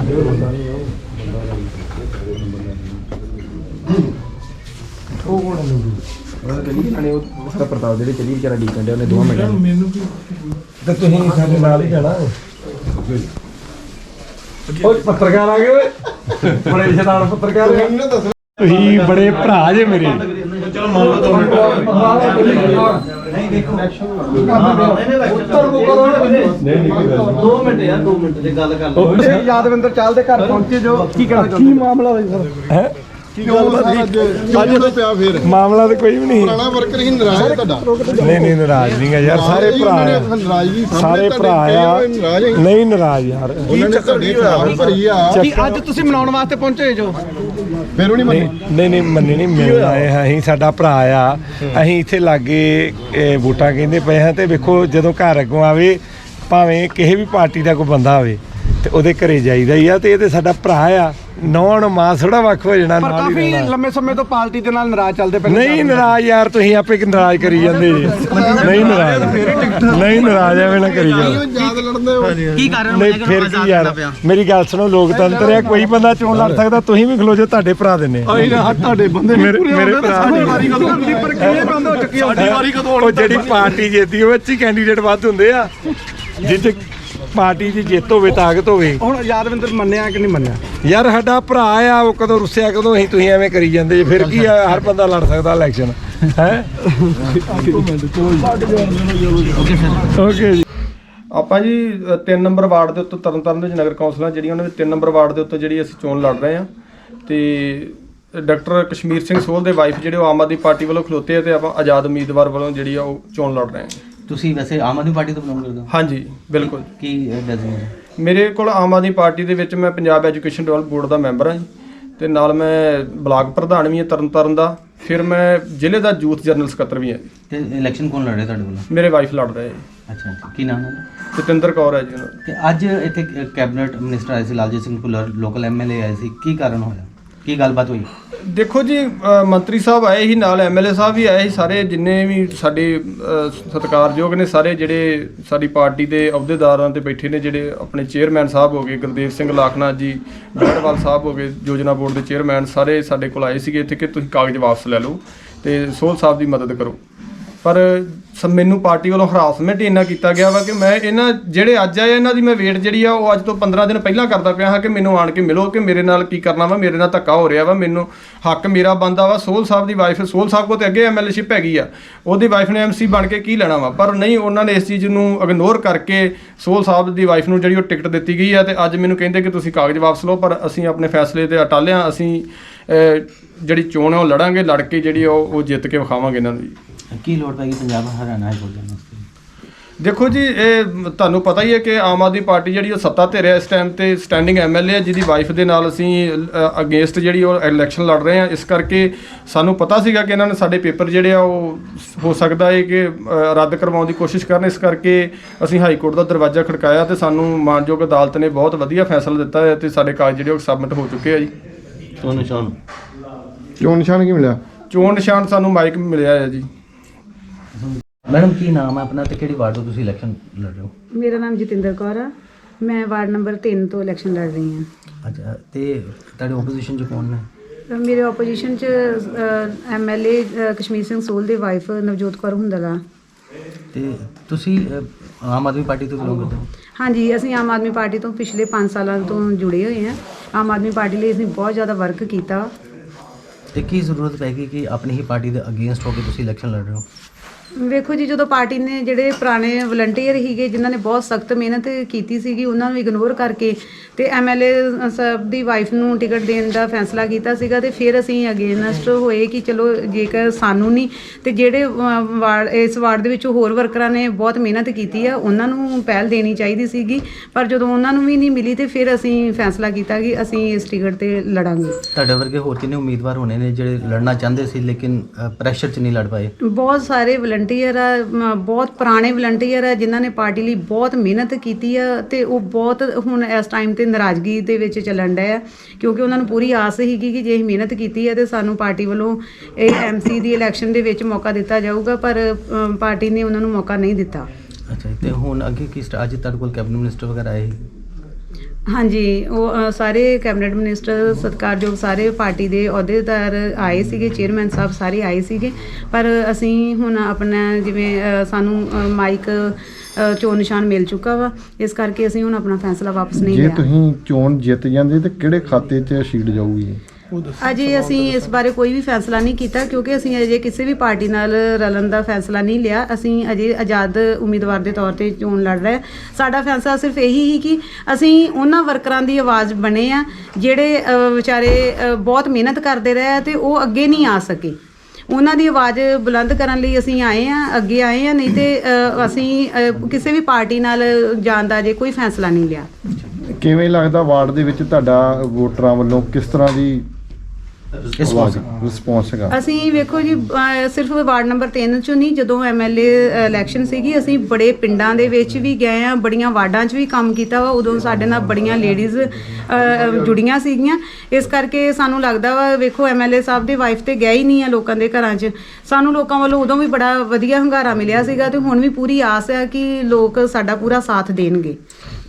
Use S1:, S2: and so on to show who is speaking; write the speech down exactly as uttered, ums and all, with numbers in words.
S1: ਪ੍ਰਤਾਪ ਜਿਹੜੇ ਚਲੀ ਵਿਚਾਰਾ ਡੀਕਣ ਡਿਆ ਉਹਨੇ ਦੋਵਾਂ ਮਿੰਟਾਂ ਮੈਨੂੰ ਤੇ ਤੁਸੀਂ ਸਾਡੇ ਨਾਲ ਹੀ ਜਾਣਾ ਪੱਤਰਕਾਰ ਆ ਗਏ ਬੜੇ ਸ਼ੈਤਾਨ ਪੱਤਰਕਾਰ ਤੁਸੀਂ ਬੜੇ ਭਰਾ ਜੇ ਮੇਰੇ ਚਲੋ ਮੰਨ ਲਓ ਦੋ ਮਿੰਟ ਨਹੀਂ ਦੇਖੋ ਦੋ ਮਿੰਟ ਯਾਰ ਦੋ ਮਿੰਟ ਦੀ ਗੱਲ ਕਰ ਲਓ ਯਾਦਵਿੰਦਰ ਚਾਲ ਦੇ ਘਰ ਪਹੁੰਚੇ ਜੋ ਕੀ ਕਹਿਣਾ ਕੀ ਮਾਮਲਾ ਹੋਇਆ ਸਰ ਹੈ ਮਾਮਲਾ ਤਾਂ ਕੋਈ ਵੀ ਨਹੀਂ ਪੁਰਾਣਾ ਵਰਕਰ ਹੀ ਨਾਰਾਜ਼ ਹੈ ਤੁਹਾਡਾ ਨਹੀਂ ਨਹੀਂ ਨਾਰਾਜ਼ ਨਹੀਂ ਹੈ ਯਾਰ ਸਾਰੇ ਭਰਾ ਸਾਰੇ ਭਰਾ ਆ ਨਹੀਂ ਨਾਰਾਜ਼ ਯਾਰ
S2: ਅੱਜ ਤੁਸੀਂ ਮਨਾਉਣ ਵਾਸਤੇ ਪਹੁੰਚੇ ਜੋ
S1: ਫਿਰ ਉਹ ਨਹੀਂ ਮੰਨੇ ਨਹੀਂ ਨਹੀਂ ਮੰਨੇ ਨਹੀਂ ਮਿਲਣ ਆਏ ਹਾਂ ਅਸੀਂ ਸਾਡਾ ਭਰਾ ਆ ਅਸੀਂ ਇੱਥੇ ਲਾਗੇ ਵੋਟਾਂ ਕਹਿੰਦੇ ਪਏ ਹਾਂ ਤੇ ਵੇਖੋ ਜਦੋਂ ਘਰ ਅੱਗੋਂ ਆਵੇ ਭਾਵੇਂ ਕਿਸੇ ਵੀ ਪਾਰਟੀ ਦਾ ਕੋਈ ਬੰਦਾ ਹੋਵੇ ਤੇ ਉਹਦੇ ਘਰੇ ਜਾਈਦਾ ਹੀ ਆ ਤੇ ਇਹ ਤੇ ਸਾਡਾ ਭਰਾ ਆ ਨੌਣ ਮਾਂ ਥੋੜਾ ਵੱਖ ਹੋ ਜਾਣਾ
S2: ਪਰ ਕਾਫੀ ਲੰਮੇ ਸਮੇਂ ਤੋਂ ਪਾਰਟੀ ਦੇ ਨਾਲ ਨਾਰਾਜ਼ ਚੱਲਦੇ ਪਏ
S1: ਨਹੀਂ ਨਾਰਾਜ਼ ਯਾਰ ਤੁਸੀਂ ਆਪੇ ਕਿ ਨਾਰਾਜ਼ ਕਰੀ ਜਾਂਦੇ ਜੀ ਨਹੀਂ ਨਾਰਾਜ਼ ਨਹੀਂ ਨਾਰਾਜ਼ ਐਵੇਂ ਨਾ ਕਰੀ ਜਾਓ
S2: ਕੀ ਕਾਰਨ
S1: ਨਹੀਂ ਫਿਰ ਕੀ ਯਾਰ ਮੇਰੀ ਗੱਲ ਸੁਣੋ ਲੋਕਤੰਤਰ ਹੈ ਕੋਈ ਬੰਦਾ ਚੋਣ ਲੜ ਸਕਦਾ ਤੁਸੀਂ ਵੀ ਖਲੋ ਜਾਓ ਤੁਹਾਡੇ ਭਰਾ ਦੇ ਨੇ
S2: ਤੁਹਾਡੇ ਬੰਦੇ
S1: ਮੇਰੇ ਭਰਾ ਉਹ ਜਿਹੜੀ ਪਾਰਟੀ ਜਿੱਤਦੀ ਉਹ ਅੱਛੀ ਕੈਂਡੀਡੇਟ ਵੱਧ ਹੁੰਦੇ ਆ ਜਿੱਥੇ ਪਾਰਟੀ ਦੀ ਜਿੱਤ ਹੋਵੇ ਤਾਕਤ ਹੋਵੇ
S2: ਹੁਣ ਯਾਦਵਿੰਦਰ ਮੰਨਿਆ ਕਿ ਨਹੀਂ ਮੰਨਿਆ
S1: ਯਾਰ ਸਾਡਾ ਭਰਾ ਆ ਉਹ ਕਦੋਂ ਰੁੱਸਿਆ ਕਦੋਂ ਅਸੀਂ ਤੁਸੀਂ ਐਵੇਂ ਕਰੀ ਜਾਂਦੇ ਜੇ ਫਿਰ ਕੀ ਆ ਹਰ ਬੰਦਾ ਲੜ ਸਕਦਾ ਇਲੈਕਸ਼ਨ ਹੈ ਓਕੇ ਜੀ ਆਪਾਂ ਜੀ ਤਿੰਨ ਨੰਬਰ ਵਾਰਡ ਦੇ ਉੱਤੇ ਤਰਨਤਾਰਨ ਦੇ ਵਿੱਚ ਨਗਰ ਕੌਂਸਲਾਂ ਜਿਹੜੀਆਂ ਉਹਨਾਂ ਦੇ ਤਿੰਨ ਨੰਬਰ ਵਾਰਡ ਦੇ ਉੱਤੇ ਜਿਹੜੀ ਅਸੀਂ ਚੋਣ ਲੜ ਰਹੇ ਹਾਂ ਤੇ ਡਾਕਟਰ ਕਸ਼ਮੀਰ ਸਿੰਘ ਸੋਹਲ ਦੇ ਵਾਈਫ ਜਿਹੜੇ ਉਹ ਆਮ ਆਦਮੀ ਪਾਰਟੀ ਵੱਲੋਂ ਖਲੋਤੇ ਆ ਤੇ ਆਪਾਂ ਆਜ਼ਾਦ ਉਮੀਦਵਾਰ ਵੱਲੋਂ ਜਿਹੜੀ ਆ ਉਹ ਚੋਣ ਲੜ ਰਹੇ ਹਾਂ।
S3: ਤੁਸੀਂ ਵੈਸੇ ਆਮ ਆਦਮੀ ਪਾਰਟੀ ਤੋਂ ਬਿਲੋਂਗ ਕਰਦੇ ਹੋ?
S1: ਹਾਂਜੀ ਬਿਲਕੁਲ।
S3: ਕੀ ਡੈਜ਼ਿਗਨੇਸ਼ਨ?
S1: ਮੇਰੇ ਕੋਲ ਆਮ ਆਦਮੀ ਪਾਰਟੀ ਦੇ ਵਿੱਚ ਮੈਂ ਪੰਜਾਬ ਐਜੂਕੇਸ਼ਨ ਡਿਵੈਲਪ ਬੋਰਡ ਦਾ ਮੈਂਬਰ ਹਾਂ ਜੀ ਤੇ ਨਾਲ ਮੈਂ ਬਲਾਕ ਪ੍ਰਧਾਨ ਵੀ ਹਾਂ ਤਰਨਤਾਰਨ ਦਾ, ਫਿਰ ਮੈਂ ਜ਼ਿਲ੍ਹੇ ਦਾ ਯੂਥ ਜਨਰਲ ਸਕੱਤਰ ਵੀ ਹਾਂ।
S3: ਤੇ ਇਲੈਕਸ਼ਨ ਕੌਣ ਲੜ ਰਿਹਾ ਤੁਹਾਡੇ ਕੋਲ?
S1: ਮੇਰੇ ਵਾਈਫ ਲੜ ਰਹੇ।
S3: ਅੱਛਾ, ਕੀ ਨਾਮ ਹੈ?
S1: ਜਤਿੰਦਰ ਕੌਰ ਹੈ ਜੀ ਉਹਨਾਂ ਦਾ।
S3: ਤੇ ਅੱਜ ਇੱਥੇ ਕੈਬਨਿਟ ਮਿਨਿਸਟਰ ਆਏ ਸੀ ਲਾਲਜੀਤ ਸਿੰਘ ਭੁੱਲਰ, ਲੋਕਲ ਐਮਐਲਏ ਆਏ ਸੀ, ਕੀ ਕਾਰਨ ਹੋਇਆ, ਕੀ ਗੱਲਬਾਤ ਹੋਈ?
S1: ਦੇਖੋ ਜੀ ਮੰਤਰੀ ਸਾਹਿਬ ਆਏ ਸੀ, ਨਾਲ ਐਮਐਲਏ ਸਾਹਿਬ ਵੀ ਆਏ ਸੀ, ਸਾਰੇ ਜਿੰਨੇ ਵੀ ਸਾਡੇ ਸਤਿਕਾਰਯੋਗ ਨੇ ਸਾਰੇ ਜਿਹੜੇ ਸਾਡੀ ਪਾਰਟੀ ਦੇ ਅਹੁਦੇਦਾਰਾਂ ਤੇ ਬੈਠੇ ਨੇ, ਜਿਹੜੇ ਆਪਣੇ ਚੇਅਰਮੈਨ ਸਾਹਿਬ ਹੋ ਗਏ ਗੁਰਦੇਵ ਸਿੰਘ ਲਾਖਨਾਥ ਜੀ, ਬੈੜਵਾਲ ਸਾਹਿਬ ਹੋ ਗਏ ਯੋਜਨਾ ਬੋਰਡ ਦੇ ਚੇਅਰਮੈਨ, ਸਾਰੇ ਸਾਡੇ ਕੋਲ ਆਏ ਸੀਗੇ ਇੱਥੇ ਕਿ ਤੁਸੀਂ ਕਾਗਜ਼ ਵਾਪਸ ਲੈ ਲਓ ਤੇ ਸੋਹਲ ਸਾਹਿਬ ਦੀ ਮਦਦ ਕਰੋ। ਪਰ ਮੈਨੂੰ ਪਾਰਟੀ ਵੱਲੋਂ ਹਰਾਸਮੈਂਟ ਇੰਨਾ ਕੀਤਾ ਗਿਆ ਵਾ ਕਿ ਮੈਂ ਇਹਨਾਂ ਜਿਹੜੇ ਅੱਜ ਆਏ ਇਹਨਾਂ ਦੀ ਮੈਂ ਵੇਟ ਜਿਹੜੀ ਆ ਉਹ ਅੱਜ ਤੋਂ ਪੰਦਰਾਂ ਦਿਨ ਪਹਿਲਾਂ ਕਰਦਾ ਪਿਆ ਹਾਂ ਕਿ ਮੈਨੂੰ ਆਣ ਕੇ ਮਿਲੋ, ਕਿ ਮੇਰੇ ਨਾਲ ਕੀ ਕਰਨਾ ਵਾ, ਮੇਰੇ ਨਾਲ ਧੱਕਾ ਹੋ ਰਿਹਾ ਵਾ, ਮੈਨੂੰ ਹੱਕ ਮੇਰਾ ਬਣਦਾ ਵਾ। ਸੋਹਲ ਸਾਹਿਬ ਦੀ ਵਾਈਫ, ਸੋਹਲ ਸਾਹਿਬ ਕੋਲ ਤੇ ਅੱਗੇ ਐਮਐਲਏਸ਼ਿਪ ਹੈਗੀ ਆ, ਉਹਦੀ ਵਾਈਫ ਨੇ ਐਮਸੀ ਬਣ ਕੇ ਕੀ ਲੈਣਾ ਵਾ, ਪਰ ਨਹੀਂ ਉਹਨਾਂ ਨੇ ਇਸ ਚੀਜ਼ ਨੂੰ ਇਗਨੋਰ ਕਰਕੇ ਸੋਹਲ ਸਾਹਿਬ ਦੀ ਵਾਈਫ ਨੂੰ ਜਿਹੜੀ ਉਹ ਟਿਕਟ ਦਿੱਤੀ ਗਈ ਆ ਤੇ ਅੱਜ ਮੈਨੂੰ ਕਹਿੰਦੇ ਕਿ ਤੁਸੀਂ ਕਾਗਜ਼ ਵਾਪਸ ਲਓ। ਪਰ ਅਸੀਂ ਆਪਣੇ ਫੈਸਲੇ ਤੇ ਅਟਲ ਹਾਂ, ਅਸੀਂ ਜਿਹੜੀ ਚੋਣ ਹੈ ਉਹ ਲੜਾਂਗੇ, ਲੜ ਕੇ ਜਿਹੜੀ ਉਹ ਉਹ ਜਿੱਤ ਕੇ ਵਿਖਾਵਾਂਗੇ ਇਹਨਾਂ ਨੂੰ।
S3: ਕੀ ਲੋੜ ਪੈ ਗਈ ਪੰਜਾਬ ਹਰਿਆਣਾ ਹਾਈ ਕੋਰਟ ਜਾਣ ਵਾਸਤੇ?
S1: ਦੇਖੋ ਜੀ ਇਹ ਤੁਹਾਨੂੰ ਪਤਾ ਹੀ ਹੈ ਕਿ ਆਮ ਆਦਮੀ ਪਾਰਟੀ ਜਿਹੜੀ ਉਹ ਸੱਤਾ ਧਿਰ ਹੈ ਇਸ ਟਾਈਮ ਤੇ, ਸਟੈਂਡਿੰਗ ਐਮਐਲਏ ਹੈ ਜਿਹਦੀ ਵਾਈਫ ਦੇ ਨਾਲ ਅਸੀਂ ਅਗੇਂਸਟ ਜਿਹੜੀ ਉਹ ਇਲੈਕਸ਼ਨ ਲੜ ਰਹੇ ਹਾਂ। ਇਸ ਕਰਕੇ ਸਾਨੂੰ ਪਤਾ ਸੀਗਾ ਕਿ ਇਹਨਾਂ ਨੇ ਸਾਡੇ ਪੇਪਰ ਜਿਹੜੇ ਆ ਉਹ ਹੋ ਸਕਦਾ ਹੈ ਕਿ ਰੱਦ ਕਰਵਾਉਣ ਦੀ ਕੋਸ਼ਿਸ਼ ਕਰਨ, ਇਸ ਕਰਕੇ ਅਸੀਂ ਹਾਈ ਕੋਰਟ ਦਾ ਦਰਵਾਜ਼ਾ ਖੜਕਾਇਆ ਤੇ ਸਾਨੂੰ ਮਾਨਯੋਗ ਅਦਾਲਤ ਨੇ ਬਹੁਤ ਵਧੀਆ ਫੈਸਲਾ ਦਿੱਤਾ ਹੈ ਤੇ ਸਾਡੇ ਕਾਗਜ਼ ਜਿਹੜੇ ਉਹ ਸਬਮਿਟ ਹੋ ਚੁੱਕੇ ਆ ਜੀ।
S3: ਚੋਣ ਨਿਸ਼ਾਨ
S1: ਚੋਣ ਨਿਸ਼ਾਨ ਕੀ ਮਿਲਿਆ? ਚੋਣ ਨਿਸ਼ਾਨ ਸਾਨੂੰ ਮਾਈਕ ਮਿਲਿਆ ਹੈ ਜੀ।
S3: ਮੈਡਮ ਕੀ ਨਾਮ ਹੈ ਆਪਣਾ ਤੇ ਕਿਹੜੀ ਵਾਰਡ ਤੋਂ ਤੁਸੀਂ ਇਲੈਕਸ਼ਨ ਲੜ ਰਹੇ ਹੋ?
S4: ਮੇਰਾ ਨਾਮ ਜਤਿੰਦਰ ਕੌਰ ਆ, ਮੈਂ ਵਾਰਡ ਨੰਬਰ ਤਿੰਨ ਤੋਂ ਇਲੈਕਸ਼ਨ ਲੜ ਰਹੀ ਹਾਂ।
S3: ਅੱਛਾ, ਤੇ ਤੁਹਾਡੇ ਓਪੋਜੀਸ਼ਨ 'ਚ ਕੌਣ ਨੇ?
S4: ਮੇਰੇ ਓਪੋਜੀਸ਼ਨ 'ਚ ਐਮਐਲਏ ਕਸ਼ਮੀਰ ਸਿੰਘ ਸੋਹਲ ਦੇ ਵਾਈਫ ਨਵਜੋਤ ਕੌਰ ਹੁੰਦਲ ਆ।
S3: ਤੇ ਤੁਸੀਂ ਆਮ ਆਦਮੀ ਪਾਰਟੀ ਤੋਂ ਬਿਲੋਂਗ ਕਰਦੇ ਹੋ?
S4: ਹਾਂਜੀ, ਅਸੀਂ ਆਮ ਆਦਮੀ ਪਾਰਟੀ ਤੋਂ ਪਿਛਲੇ ਪੰਜ ਸਾਲਾਂ ਤੋਂ ਜੁੜੇ ਹੋਏ ਹਾਂ। ਆਮ ਆਦਮੀ ਪਾਰਟੀ ਲਈ ਅਸੀਂ ਬਹੁਤ ਜ਼ਿਆਦਾ ਵਰਕ ਕੀਤਾ।
S3: ਤੇ ਕੀ ਜ਼ਰੂਰਤ ਪੈ ਗਈ ਕਿ ਆਪਣੀ ਹੀ ਪਾਰਟੀ ਦੇ ਅਗੇਂਸਟ ਹੋ ਕੇ ਤੁਸੀਂ ਇਲੈਕਸ਼ਨ ਲੜ ਰਹੇ ਹੋ?
S4: ਵੇਖੋ ਜੀ, ਜਦੋਂ ਪਾਰਟੀ ਨੇ ਜਿਹੜੇ ਪੁਰਾਣੇ ਵਲੰਟੀਅਰ ਸੀਗੇ ਜਿਨ੍ਹਾਂ ਨੇ ਬਹੁਤ ਸਖਤ ਮਿਹਨਤ ਕੀਤੀ ਸੀਗੀ ਉਹਨਾਂ ਨੂੰ ਇਗਨੋਰ ਕਰਕੇ ਤੇ ਐਮਐਲਏ ਸਾਹਿਬ ਦੀ ਵਾਈਫ ਨੂੰ ਟਿਕਟ ਦੇਣ ਦਾ ਫੈਸਲਾ ਕੀਤਾ ਸੀਗਾ ਤੇ ਫਿਰ ਅਸੀਂ ਅਗੇਨਸਟ ਹੋਏ ਕਿ ਚਲੋ ਜੇਕਰ ਸਾਨੂੰ ਨਹੀਂ ਤੇ ਜਿਹੜੇ ਵਾਰਡ ਇਸ ਵਾਰਡ ਦੇ ਵਿੱਚ ਹੋਰ ਵਰਕਰਾਂ ਨੇ ਬਹੁਤ ਮਿਹਨਤ ਕੀਤੀ ਆ ਉਹਨਾਂ ਨੂੰ ਪਹਿਲ ਦੇਣੀ ਚਾਹੀਦੀ ਸੀਗੀ। ਪਰ ਜਦੋਂ ਉਹਨਾਂ ਨੂੰ ਵੀ ਨਹੀਂ ਮਿਲੀ ਤੇ ਫਿਰ ਅਸੀਂ ਫੈਸਲਾ ਕੀਤਾ ਕਿ ਅਸੀਂ ਇਸ ਟਿਕਟ ਤੇ ਲੜਾਂਗੇ।
S3: ਤੁਹਾਡੇ ਵਰਗੇ ਹੋਰ ਕਿੰਨੇ ਉਮੀਦਵਾਰ ਹੋਣੇ ਨੇ ਜਿਹੜੇ ਲੜਨਾ ਚਾਹੁੰਦੇ ਸੀ ਲੇਕਿਨ ਪ੍ਰੈਸ਼ਰ 'ਚ ਨਹੀਂ ਲੜ ਪਾਏ?
S4: ਬਹੁਤ ਸਾਰੇ ਵਲੰਟੀਅਰ ਆ, ਬਹੁਤ ਪੁਰਾਣੇ ਵਲੰਟੀਅਰ ਆ ਜਿਨ੍ਹਾਂ ਨੇ ਪਾਰਟੀ ਲਈ ਬਹੁਤ ਮਿਹਨਤ ਕੀਤੀ ਆ ਤੇ ਉਹ ਬਹੁਤ ਹੁਣ ਇਸ ਟਾਈਮ ਤੇ ਨਾਰਾਜ਼ਗੀ ਦੇ ਵਿੱਚ ਚੱਲਣ ਡਿਆ ਕਿਉਂਕਿ ਉਹਨਾਂ ਨੂੰ ਪੂਰੀ ਆਸ ਸੀਗੀ ਕਿ ਜੇ ਅਸੀਂ ਮਿਹਨਤ ਕੀਤੀ ਹੈ ਤੇ ਸਾਨੂੰ ਪਾਰਟੀ ਵੱਲੋਂ ਇਹ ਐਮਸੀ ਦੀ ਇਲੈਕਸ਼ਨ ਦੇ ਵਿੱਚ ਮੌਕਾ ਦਿੱਤਾ ਜਾਊਗਾ, ਪਰ ਪਾਰਟੀ ਨੇ ਉਹਨਾਂ ਨੂੰ ਮੌਕਾ ਨਹੀਂ ਦਿੱਤਾ।
S3: ਅੱਛਾ, ਤੇ ਹੁਣ ਅੱਗੇ ਕੀ ਅੱਜ ਤੁਹਾਡੇ ਕੋਲ ਕੈਬਨਿਟ ਮਿਨਿਸਟਰ ਵਗੈਰਾ ਆਏ?
S4: ਹਾਂਜੀ ਉਹ ਅ, ਸਾਰੇ ਕੈਬਨਿਟ ਮਿਨਿਸਟਰ ਸਤਿਕਾਰਯੋਗ ਸਾਰੇ ਪਾਰਟੀ ਦੇ ਅਹੁਦੇਦਾਰ ਆਏ ਸੀਗੇ, ਚੇਅਰਮੈਨ ਸਾਹਿਬ ਸਾਰੇ ਆਏ ਸੀਗੇ, ਪਰ ਅਸੀਂ ਹੁਣ ਆਪਣਾ ਜਿਵੇਂ ਅ, ਸਾਨੂੰ ਅ, ਮਾਈਕ ਅ, ਚੋਣ ਨਿਸ਼ਾਨ ਮਿਲ ਚੁੱਕਾ ਵਾ, ਇਸ ਕਰਕੇ ਅਸੀਂ ਹੁਣ ਆਪਣਾ ਫੈਸਲਾ ਵਾਪਸ ਨਹੀਂ
S5: ਜੇ
S4: ਲਿਆ।
S5: ਤੁਸੀਂ ਚੋਣ ਜਿੱਤ ਜਾਂਦੇ ਤੇ ਕਿਹੜੇ ਖਾਤੇ 'ਚ ਸ਼ੀਟ ਜਾਊਗੀ?
S4: ਅਜੇ ਅਸੀਂ ਇਸ ਬਾਰੇ ਕੋਈ ਵੀ ਫੈਸਲਾ ਨਹੀਂ ਕੀਤਾ, ਕਿਉਂਕਿ ਅਸੀਂ ਅਜੇ ਕਿਸੇ ਵੀ ਪਾਰਟੀ ਨਾਲ ਰਲਣ ਦਾ ਫੈਸਲਾ ਨਹੀਂ ਲਿਆ। ਅਸੀਂ ਅਜੇ ਆਜ਼ਾਦ ਉਮੀਦਵਾਰ ਦੇ ਤੌਰ ਤੇ ਚੋਣ ਲੜ ਰਹੇ। ਸਾਡਾ ਫੈਸਲਾ ਸਿਰਫ ਇਹੀ ਹੀ ਕਿ ਅਸੀਂ ਉਹਨਾਂ ਵਰਕਰਾਂ ਦੀ ਆਵਾਜ਼ ਬਣੇ ਆ ਜਿਹੜੇ ਅ, ਵਿਚਾਰੇ ਅ, ਬਹੁਤ ਮਿਹਨਤ ਕਰਦੇ ਰਹੇ ਆ ਤੇ ਉਹ ਅੱਗੇ ਨਹੀਂ ਆ ਸਕੇ। ਉਹਨਾਂ ਦੀ ਆਵਾਜ਼ ਬੁਲੰਦ ਕਰਨ ਲਈ ਅਸੀਂ ਆਏ ਆ, ਅੱਗੇ ਆਏ ਆ, ਨਹੀਂ ਤੇ ਅ, ਅਸੀਂ ਅ, ਕਿਸੇ ਵੀ ਪਾਰਟੀ ਨਾਲ ਜਾਣ ਦਾ ਅਜੇ ਕੋਈ ਫੈਸਲਾ ਨਹੀਂ ਲਿਆ।
S5: ਕਿਵੇਂ ਲੱਗਦਾ ਵਾਰਡ ਦੇ ਵਿੱਚ ਤੁਹਾਡਾ ਵੋਟਰਾਂ ਵੱਲੋਂ ਕਿਸ ਤਰ੍ਹਾਂ ਦੀ
S3: ਰਿਸਪੌਂਸ
S5: ਰਿਸਪੌਂਸ ਹੈਗਾ?
S4: ਅਸੀਂ ਵੇਖੋ ਜੀ ਅਹ ਸਿਰਫ ਵਾਰਡ ਨੰਬਰ ਤਿੰਨ ਚੋਂ ਨਹੀਂ, ਜਦੋਂ ਐਮਐਲਏ ਇਲੈਕਸ਼ਨ ਸੀਗੀ ਅਸੀਂ ਬੜੇ ਪਿੰਡਾਂ ਦੇ ਵਿੱਚ ਵੀ ਗਏ ਆ, ਬੜੀਆਂ ਵਾਰਡਾਂ 'ਚ ਵੀ ਕੰਮ ਕੀਤਾ ਵਾ। ਉਦੋਂ ਸਾਡੇ ਨਾਲ ਬੜੀਆਂ ਲੇਡੀਜ਼ ਜੁੜੀਆਂ ਸੀਗੀਆਂ, ਇਸ ਕਰਕੇ ਸਾਨੂੰ ਲੱਗਦਾ ਵਾ ਵੇਖੋ ਐਮਐਲਏ ਸਾਹਿਬ ਦੀ ਵਾਈਫ ਤੇ ਗਏ ਹੀ ਨਹੀਂ ਆ ਲੋਕਾਂ ਦੇ ਘਰਾਂ 'ਚ। ਸਾਨੂੰ ਲੋਕਾਂ ਵੱਲੋਂ ਉਦੋਂ ਵੀ ਬੜਾ ਵਧੀਆ ਹੁੰਗਾਰਾ ਮਿਲਿਆ ਸੀਗਾ ਤੇ ਹੁਣ ਵੀ ਪੂਰੀ ਆਸ ਹੈ ਕਿ ਲੋਕ ਸਾਡਾ ਪੂਰਾ ਸਾਥ ਦੇਣਗੇ।